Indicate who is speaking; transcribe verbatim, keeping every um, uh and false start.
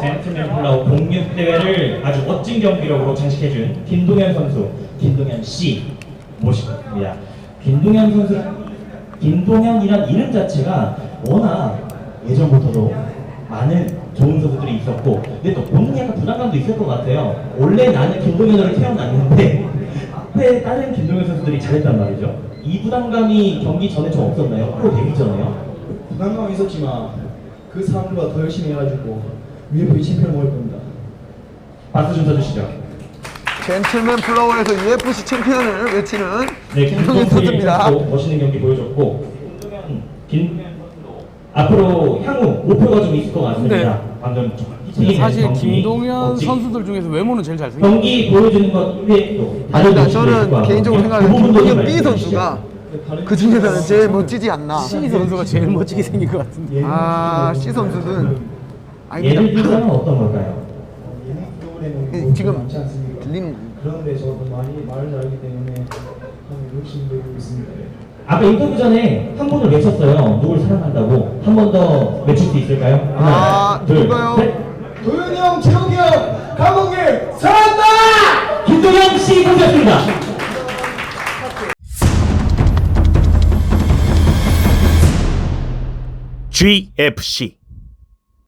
Speaker 1: 젠틀맨 플라워 공육 대회를 아주 멋진 경기력으로 장식해준 김동현 선수, 김동현 씨 모시겠습니다. 김동현 선수, 김동현이란 이름 자체가 워낙 예전부터도 많은 좋은 선수들이 있었고, 근데 또 본인이 약간 부담감도 있을 것 같아요. 원래 나는 김동현으로 태어났는데 앞에 다른 김동현 선수들이 잘했단 말이죠. 이 부담감이 경기 전에 좀 없었나요? 프로 데뷔 전에요?
Speaker 2: 부담감은 있었지만 그 사람들보다 더 열심히 해가지고 유에프씨 챔피언을 먹을 겁니다.
Speaker 1: 박수 좀 쳐주시죠.
Speaker 3: 젠틀맨 플라워에서 유에프씨 챔피언을 외치는
Speaker 1: 네,
Speaker 3: 김동현 선수입니다.
Speaker 1: 멋있는 경기 보여줬고, 김동현, 김동현 선수도 앞으로 향후 목표가 좀 있을 것 같습니다.
Speaker 4: 네.
Speaker 1: 방금
Speaker 4: 사실
Speaker 1: 경기,
Speaker 4: 김동현
Speaker 1: 멋지게
Speaker 4: 선수들 중에서 외모는 제일 잘생겼어요.
Speaker 1: 경기 보여주는 것 외에도 다른
Speaker 3: 일단
Speaker 1: 모습도 있을 것
Speaker 3: 저는
Speaker 1: 같거든요.
Speaker 3: 개인적으로
Speaker 1: 그
Speaker 3: 생각하는
Speaker 1: 부분도 좀
Speaker 3: 김동현 B
Speaker 1: 말씀해
Speaker 3: 선수가
Speaker 1: 주시죠.
Speaker 3: 그 중에서는 제일 멋지지 않나.
Speaker 4: C 선수가 제일 멋지게 생긴 것 같은데.
Speaker 3: 아, C 선수는
Speaker 1: 예를
Speaker 3: 아닙니다.
Speaker 1: 들자면 어떤 걸까요?
Speaker 2: 예능 프로그램은
Speaker 3: 네,
Speaker 2: 뭐
Speaker 3: 지금
Speaker 2: 많지 않습니까?
Speaker 3: 들리는
Speaker 2: 그런데 저도 많이 말을 잘하기 때문에 한 욕심 내고 있습니다.
Speaker 1: 아까 인터뷰 전에 한 분을 외쳤어요. 누굴 사랑한다고. 한 번 더 외칠 수 있을까요? 하나,
Speaker 3: 아,
Speaker 1: 둘,
Speaker 3: 누가요?
Speaker 1: 셋.
Speaker 2: 도현이 형, 재욱이 형, 감독님 사랑한다!
Speaker 1: 김동현 씨 선수였습니다.
Speaker 5: 지에프씨